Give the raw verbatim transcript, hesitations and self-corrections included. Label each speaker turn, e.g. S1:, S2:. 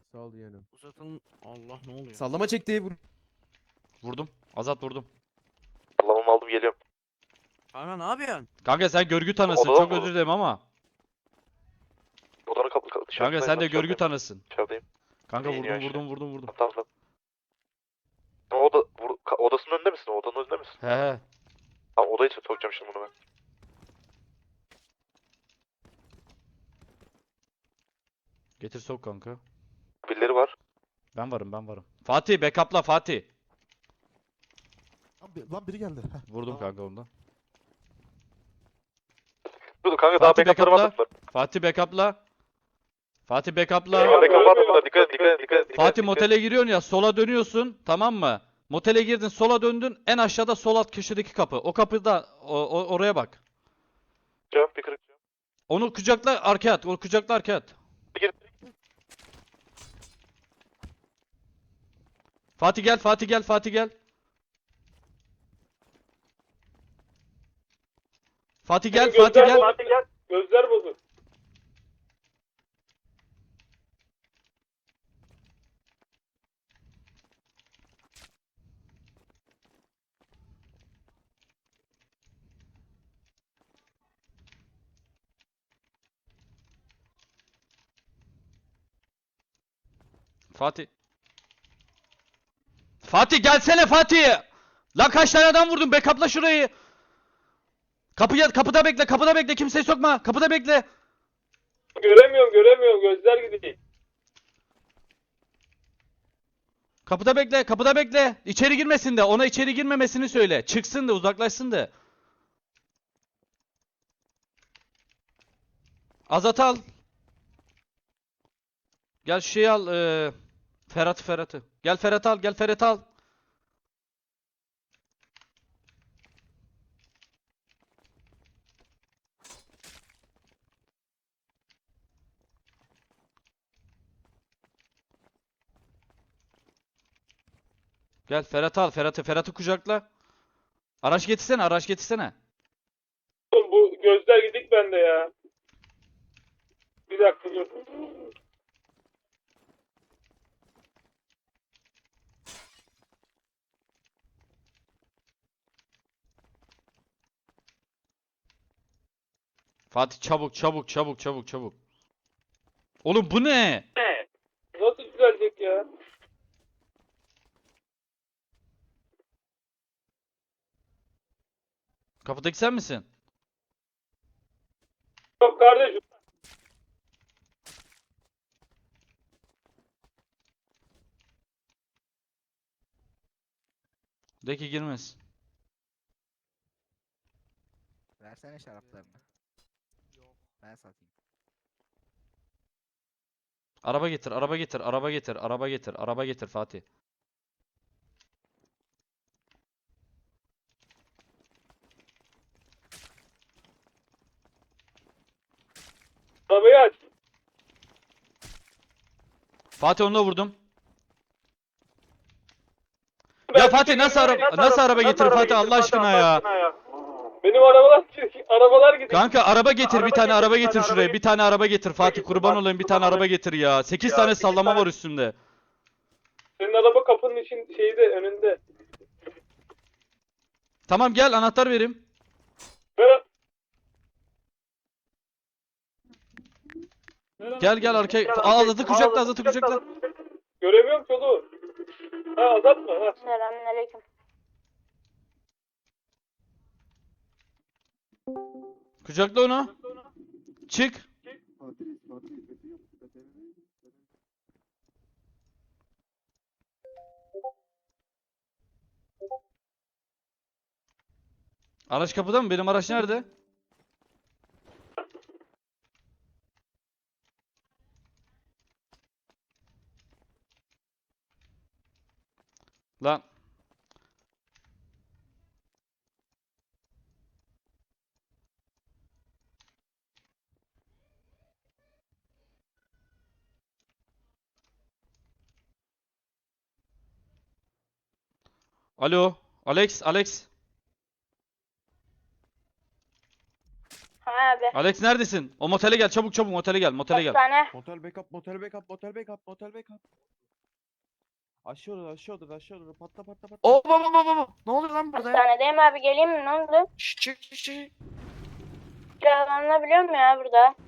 S1: Sağ ol yeğenim.
S2: Uzatın. Allah ne oluyor?
S1: Sallama çekti. Vur.
S3: Vurdum. Azat vurdum.
S4: Sallamamı aldım geliyorum.
S2: Kanka ne yapıyorsun?
S3: Kanka sen görgü tanısın.
S4: Odadan
S3: Çok
S4: mı?
S3: özür dilerim ama.
S4: Odanın kapı kapı dışarı.
S3: Kanka sen de görgü tanısın.
S4: Dışarıdayım.
S3: Kanka
S4: İyi,
S3: vurdum
S4: yaşa.
S3: vurdum vurdum vurdum.
S4: Tamam tamam. Ama oda, vur, ka- odasının önünde misin? Odanın önünde misin?
S3: He he.
S4: Tamam odaya sokacağım şimdi bunu ben.
S3: Getir sok kanka.
S4: Birileri var.
S3: Ben varım ben varım. Fatih backup'la Fatih.
S5: Lan, bir- lan biri geldi. Heh,
S3: Vurdum
S5: tamam.
S3: kanka ondan.
S4: Dur dur kanka daha
S3: Fatih
S4: backup'ları
S3: backup'la.
S4: atmadılar.
S3: Fatih backup'la. Fatih backup'la.
S4: Backup'ı atmadılar. Dikkat et dikkat et dikkat et. dikkat et,
S3: Fatih
S4: dikkat et.
S3: motele giriyorsun ya, sola dönüyorsun, tamam mı? Motele girdin, sola döndün, en aşağıda sol alt köşedeki kapı. O kapıda o, o- oraya bak.
S4: Cevap bir kırık.
S3: Onu kucakla arkaya at. Onu kucakla arkaya at.
S4: Gir.
S3: Fatih gel, Fatih gel, Fatih gel. Fatih gel, Fatih gel.
S6: Fatih gel. Gözler bozuk.
S3: Fatih. Fatih gelsene Fatih. Lan kaç tane adam vurdun? Backup'la şurayı. Kapıya, kapıda bekle, kapıda bekle. Kimseyi sokma. Kapıda bekle.
S6: Göremiyorum göremiyorum gözler gidiyor.
S3: Kapıda bekle, kapıda bekle. İçeri girmesin de. Ona içeri girmemesini söyle. Çıksın da, uzaklaşsın da. Azat al. Gel şu şeyi al. eee Ferhat Ferhat'ı. Gel Ferhat al, gel Ferhat al. Gel Ferhat al, Ferhat'ı, Ferhat'ı kucakla. Araç getirsene, araç getirsene.
S6: Oğlum bu gözler gidik bende ya. Bir dakika dur.
S3: Fatih çabuk, çabuk, çabuk, çabuk, çabuk. Oğlum bu ne?
S6: Nasıl düzelecek ya?
S3: Kapıdaki sen misin?
S6: Yok kardeşim.
S3: De ki girmez.
S7: Versene şaraplarını. Yok. Ben satayım.
S3: Araba getir, araba getir, araba getir, araba getir, araba getir Fatih.
S6: Arabayı aç.
S3: Fatih onu da vurdum. Ya Fatih nasıl araba nasıl araba getir Fatih Allah aşkına ya.
S6: Benim arabalar arabalar gidiyor.
S3: Kanka araba getir bir tane araba getir şuraya. Bir tane araba getir Fatih kurban olayım bir tane araba getir ya. sekiz tane sallama var üstünde.
S6: Senin araba kapının için şeyde önünde.
S3: Tamam gel anahtar vereyim.
S6: Ver.
S3: Gel gel arkaya. Aa, Azat'ı kucakla Azat'ı kucakla.
S6: Göremiyorum ki oğlum. Ha azaltma ha.
S8: Selamünaleyküm.
S3: Kucakla onu. Çık. Araç kapıda mı? Benim araç nerede? Lan. Alo. Alex, Alex.
S8: Ha
S1: nerede?
S3: Alex neredesin? O motele gel çabuk çabuk motele gel motele gel.
S1: Hastane.
S5: Motel backup, motel backup, motel backup, motel backup. Aşağı doğru, aşağı doğru, aşağı doğru. Patla patla patla.
S2: Oo baba baba baba. Ne oluyor lan burada ya?
S1: Hastanedeyim abi, geleyim mi, ne oldu?
S2: Şşş çık çık çık.
S1: Kiralanabiliyor mu ya burada?